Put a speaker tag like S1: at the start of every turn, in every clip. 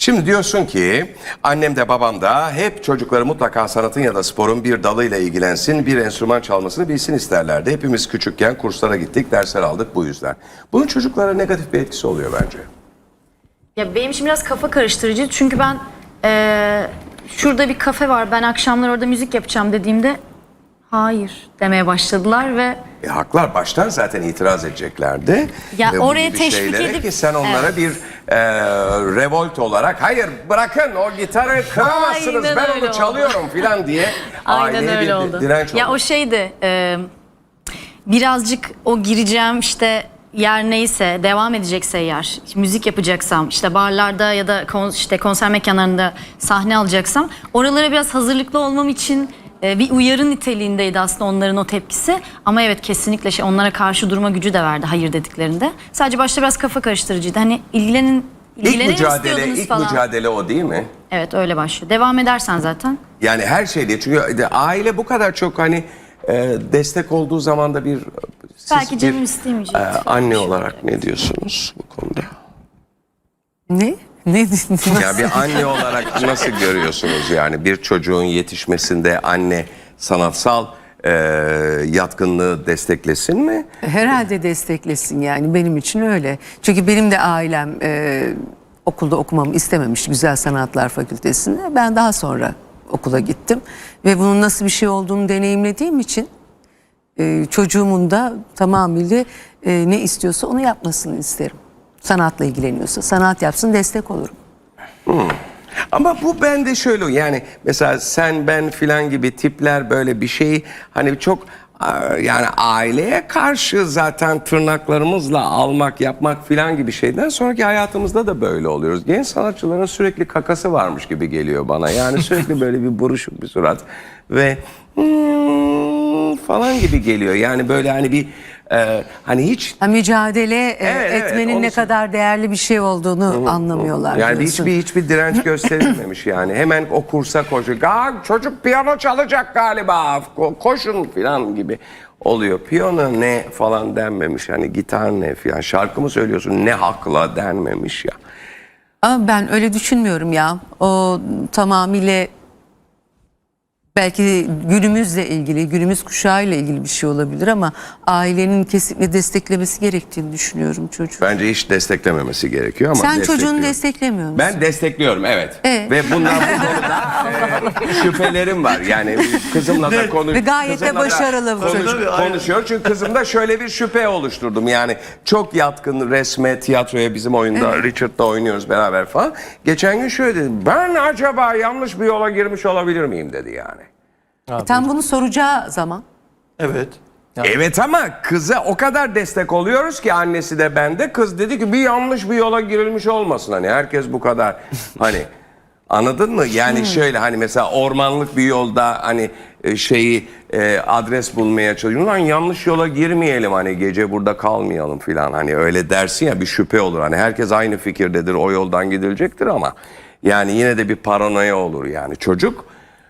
S1: Şimdi diyorsun ki annem de babam da hep çocukları mutlaka sanatın ya da sporun bir dalıyla ilgilensin, bir enstrüman çalmasını bilsin isterlerdi. Hepimiz küçükken kurslara gittik, dersler aldık bu yüzden. Bunun çocuklara negatif bir etkisi oluyor bence.
S2: Ya benim için biraz kafa karıştırıcı çünkü ben şurada bir kafe var, ben akşamlar orada müzik yapacağım dediğimde hayır demeye başladılar ve
S1: Haklar, baştan zaten itiraz edeceklerdi.
S2: Ya
S1: Ve bu
S2: oraya
S1: gibi
S2: teşvik
S1: şeylere
S2: edip-
S1: ki sen onlara
S2: Evet.
S1: bir revolt olarak hayır bırakın o gitarı kıramazsınız,
S2: Aynen
S1: ben
S2: öyle
S1: onu çalıyorum filan diye
S2: aynen
S1: aileye
S2: öyle
S1: bir
S2: oldu.
S1: direnç
S2: Ya
S1: oldu.
S2: o şeydi birazcık o gireceğim işte yer neyse, devam edecekse eğer, müzik yapacaksam, işte barlarda ya da konser mekanlarında sahne alacaksam oralara biraz hazırlıklı olmam için bir uyarı niteliğindeydi aslında onların o tepkisi. Ama evet, kesinlikle onlara karşı durma gücü de verdi hayır dediklerinde. Sadece başta biraz kafa karıştırıcıydı. Hani ilgilenin istiyordunuz
S1: İlk
S2: falan.
S1: mücadele o değil mi?
S2: Evet, öyle başlıyor. Devam edersen zaten.
S1: Yani her şeyde, çünkü aile bu kadar çok hani destek olduğu zaman da siz
S2: Belki canım istemeyecek.
S1: Anne olarak ne diyorsunuz bu konuda?
S3: Ne? Ne?
S1: Ya bir anne olarak nasıl görüyorsunuz yani bir çocuğun yetişmesinde anne sanatsal yatkınlığı desteklesin mi?
S3: Herhalde desteklesin, yani benim için öyle. Çünkü benim de ailem okulda okumamı istememiş, Güzel Sanatlar Fakültesi'nde. Ben daha sonra okula gittim ve bunun nasıl bir şey olduğunu deneyimlediğim için çocuğumun da tamamıyla ne istiyorsa onu yapmasını isterim. Sanatla ilgileniyorsa sanat yapsın, destek olurum.
S1: Ama bu bende şöyle, yani mesela sen ben filan gibi tipler böyle bir şey hani çok yani aileye karşı zaten tırnaklarımızla almak yapmak filan gibi şeyden sonraki hayatımızda da böyle oluyoruz. Genç sanatçıların sürekli kakası varmış gibi geliyor bana. Yani sürekli böyle bir buruşuk bir surat ve falan gibi geliyor. Yani böyle hani bir hani hiç
S3: Mücadele etmenin
S1: onu
S3: ne kadar değerli bir şey olduğunu anlamıyorlar.
S1: yani
S3: diyorsun.
S1: hiçbir direnç gösterilmemiş yani. Hemen o kursa koşuyor. Çocuk piyano çalacak galiba. Koşun falan gibi oluyor. Piyano ne falan denmemiş. Hani gitar ne falan. Şarkı mı söylüyorsun ne hakla denmemiş ya.
S3: Ama ben öyle düşünmüyorum ya. O tamamıyla belki günümüzle ilgili, günümüz kuşağıyla ilgili bir şey olabilir ama ailenin kesinlikle desteklemesi gerektiğini düşünüyorum çocuğu.
S1: Bence hiç desteklememesi gerekiyor ama
S3: Sen çocuğunu
S1: destekliyorum.
S3: desteklemiyor musun?
S1: Ben destekliyorum, evet.
S3: Evet.
S1: Ve bundan bu konuda şüphelerim var. Yani kızımla da
S3: Ve gayet de
S1: kızımla da
S3: başarılı bu.
S1: konuşuyor. Çünkü kızımda şöyle bir şüphe oluşturdum. Yani çok yatkın resme, tiyatroya, bizim oyunda Richard'la oynuyoruz beraber falan. Geçen gün şöyle dedi. Ben acaba yanlış bir yola girmiş olabilir miyim dedi yani.
S3: Tam bunu soracağı zaman.
S4: Evet.
S1: Evet ama kıza o kadar destek oluyoruz ki, annesi de ben de, kız dedi ki bir yanlış bir yola girilmiş olmasın, hani herkes bu kadar hani anladın mı? Yani şöyle hani mesela ormanlık bir yolda hani adres bulmaya çalışıyor. Lan yanlış yola girmeyelim, hani gece burada kalmayalım filan, hani öyle dersin ya, bir şüphe olur. Hani herkes aynı fikirdedir, o yoldan gidilecektir ama yani yine de bir paranoya olur yani. Çocuk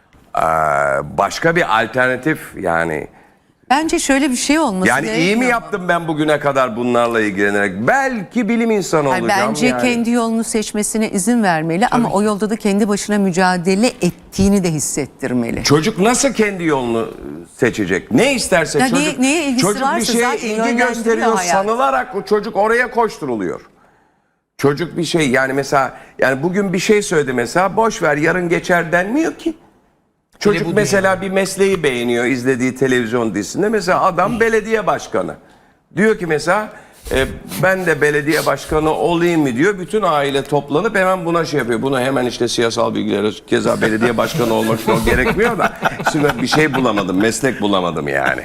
S1: başka bir alternatif yani.
S3: Bence şöyle bir şey olması
S1: Yani iyi mi
S3: gerekiyor.
S1: yaptım ben bugüne kadar bunlarla ilgilenerek? Belki bilim insanı
S3: Hayır,
S1: olacağım
S3: bence
S1: yani.
S3: kendi yolunu seçmesine izin vermeli ama o yolda da kendi başına mücadele ettiğini de hissettirmeli.
S1: Çocuk nasıl kendi yolunu seçecek? Ne isterse
S3: Ya
S1: çocuk.
S3: neye ilgisi
S1: Çocuk bir
S3: varsa
S1: şeye
S3: zaten
S1: ilgi
S3: yönlendiriyor
S1: gösteriyor
S3: hayat.
S1: sanılarak o çocuk oraya koşturuluyor. Çocuk bir şey yani mesela, yani bugün bir şey söyledi mesela, boş ver yarın geçer denmiyor ki. Çocuk mesela bir mesleği beğeniyor izlediği televizyon dizisinde. Mesela adam belediye başkanı. Diyor ki mesela ben de belediye başkanı olayım mı diyor. Bütün aile toplanıp hemen buna şey yapıyor. Bunu hemen işte siyasal bilgileri, keza belediye başkanı olmak için o gerekmiyor da. Şimdi bir şey bulamadım, meslek bulamadım yani.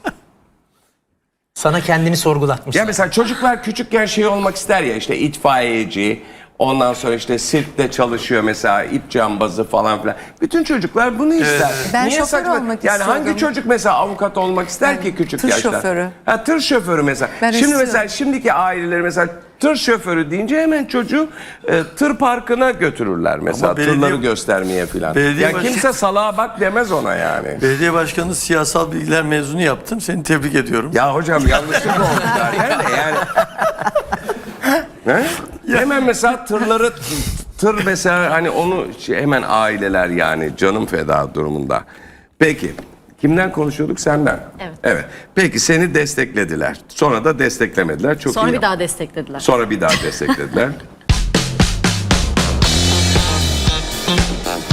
S4: Sana kendini sorgulatmış.
S1: Ya mesela çocuklar küçükken şey olmak ister ya, işte itfaiyeci, ondan sonra işte sirkte çalışıyor mesela, ip cambazı falan filan. Bütün çocuklar bunu ister.
S3: Ben şoför olmak
S1: yani hangi
S3: istiyordum.
S1: çocuk mesela avukat olmak ister ki küçük
S3: tır
S1: yaşta?
S3: şoförü.
S1: Ha, tır şoförü mesela.
S3: Ben
S1: Şimdi
S3: istiyorum.
S1: mesela şimdiki aileleri mesela tır şoförü deyince hemen çocuğu tır parkına götürürler mesela,
S5: belediye-
S1: tırları göstermeye filan.
S5: belediye
S1: Ya kimse salağa bak demez ona yani.
S5: Belediye başkanı siyasal bilgiler mezunu yaptın. Seni tebrik ediyorum.
S1: Ya hocam yanlışlık oldu zaten de yani. He? Hemen mesela tırları tır mesela hani onu hemen aileler yani canım feda durumunda. Peki kimden konuşuyorduk? Senden.
S2: Evet.
S1: Evet. Peki seni desteklediler. Sonra da desteklemediler. Çok
S2: Sonra
S1: iyi.
S2: bir daha desteklediler.
S1: Sonra bir daha desteklediler.